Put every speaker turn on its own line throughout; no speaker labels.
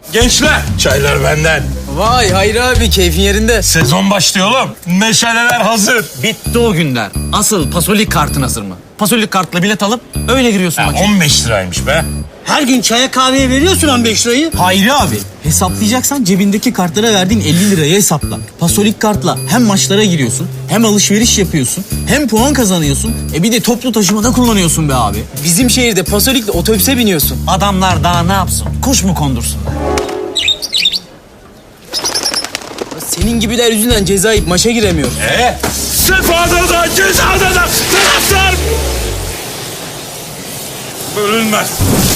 Gençler, çaylar benden.
Vay Hayri abi, keyfin yerinde.
Sezon başlıyor oğlum. Meşaleler hazır.
Bitti o günler. Asıl pasolik kartın hazır mı? Pasolik kartla bilet alıp öyle giriyorsun maça.
15 liraymış be.
Her gün çaya kahveye veriyorsun 15 lirayı.
Hayri abi, hesaplayacaksan cebindeki kartlara verdiğin 50 lirayı hesapla. Pasolik kartla hem maçlara giriyorsun, hem alışveriş yapıyorsun, hem puan kazanıyorsun. Bir de toplu taşımada kullanıyorsun be abi. Bizim şehirde pasolikle otobüse biniyorsun. Adamlar daha ne yapsın? Kuş mu kondursun? Senin gibiler yüzünden ceza yiyip maça giremiyor.
Sefada da cezada da taraftar bölünmez.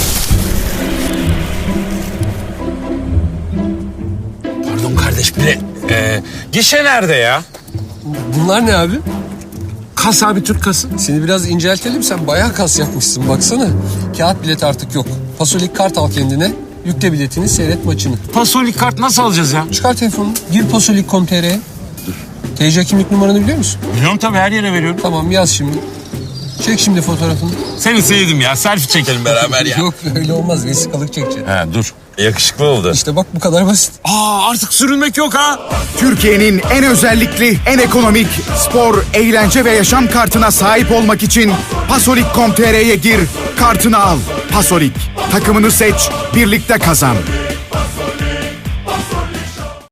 Pardon kardeş, bilet. Gişe nerede ya?
Bunlar ne abi?
Kas abi, Türk kası.
Seni biraz inceltelim, sen bayağı kas yapmışsın baksana. Kağıt bilet artık yok. Pasolik kart al kendine. Yükle biletini, seyret maçını.
Pasolik kart nasıl alacağız ya?
Çıkar telefonunu, gir pasolik.com.tr'ye. TC kimlik numaranı biliyor musun?
Biliyorum tabii, her yere veriyorum.
Tamam, yaz şimdi. Çek şimdi fotoğrafını.
Seni sevdim ya. Selfie çekelim beraber ya.
Yok öyle olmaz, vesikalık çekeceksin.
Ha, dur. Yakışıklı oldu.
İşte bak, bu kadar basit.
Artık sürünmek yok ha.
Türkiye'nin en özellikli, en ekonomik, spor, eğlence ve yaşam kartına sahip olmak için Pasolik.com.tr'ye gir, kartını al. Pasolik, takımını seç, birlikte kazan.